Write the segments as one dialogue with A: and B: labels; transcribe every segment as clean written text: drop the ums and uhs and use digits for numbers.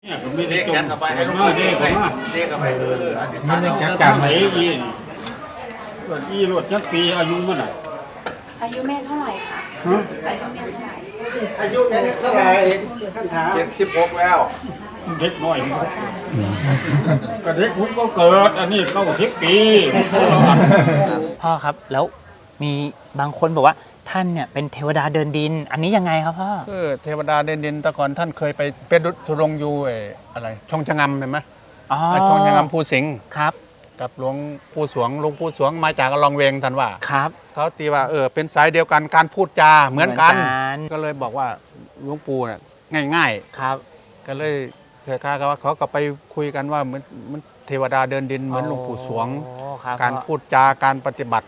A: เรียกแขนกลับไปให้ลูกเรียกกลับไปอธิษฐาน
B: จักจังไหนยีนอีรถจักปีอายุมันอ่ะ
C: อายุแม่เท่าไหร่คะ
B: ฮะ
C: อายุแม่เท่าไหร่
B: อายุแม่เท่าไหร่ท่านถาม
A: 76แล้ว
B: เด็กน้อยก็เด็กผมก็เกิดอันนี้90 ปี
D: พ่อครับแล้วมีบางคนบอกว่าท่านเนี่ยเป็นเทวดาเดินดิน อันนี้ยังไงครับพ่อ
E: คือเทวดาเด่นดินแต่ก่อนท่านเคยไปเป็นทุรงอยู่อะไรช่องชะงำเห็นไหม
D: อ๋อ
E: ช่องชะงำภูสิงห์
D: ครับ
E: กับหลวงปู่สวงมาจากอลองเวงท่านว่า
D: ครับ
E: เขาตีว่าเป็นสายเดียวกันการพูดจาเหมือนกัน
D: เหมือนกัน
E: ก็เลยบอกว่าหลวงปู่เนี่ยง่าย
D: ครับ
E: ๆ ก็เลยเธอข้าก็ว่าเขาก็ไปคุยกันว่าเหมือนเทวดาเดินดินเหมือนหลวงปู่สวง
D: โอ้ครับ
E: การพูดจาการปฏิบัติ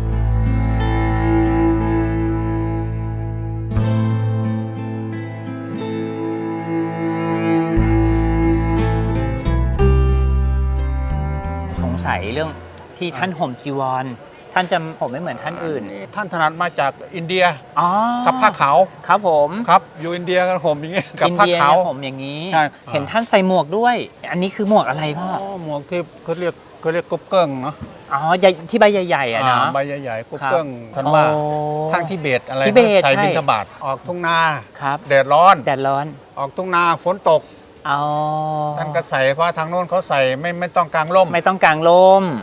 D: สงสัยเรื่องที่ท่านห่มจีวร ท่านจะห่มไม่เหมือนท่านอื่น
E: ท่านถนัดมาจากอินเดีย
D: อ๋อ
E: กับผ้าขาว
D: ครับผม
E: ครับอยู่อินเดียกันผมอย่างเงี้ยกับ
D: อิน
E: ผ้า
D: เดีย
E: ขาว
D: เนี่ยห่มอย่างนี้
E: ใช่
D: เห็นท่านใส่หมวกด้วย อันนี้คือหมวกอะไรพ่อ
E: หมวกที่เขาเรียกกบเกิ้งเนาะ
D: อ๋อใหญ่ที่ใบใหญ่ๆอ่ะเนาะ
E: ใบใหญ่ๆกบ
D: ครับ
E: เกิ้งท่านว่า
D: โอ้
E: ทางทิเบตอะไร
D: ทิเบต
E: ใส่
D: ใช่
E: บิณฑบาตออกทุ่งนา
D: ครับ
E: แดดร้อน
D: แดดร้อน
E: ออกทุ่งนาฝนตก
D: อ๋อ
E: ท่านก็ใส่เพราะทางโน้นเขาใส่ไม่ต้องกางร่ม
D: ไม่ต้องกางลม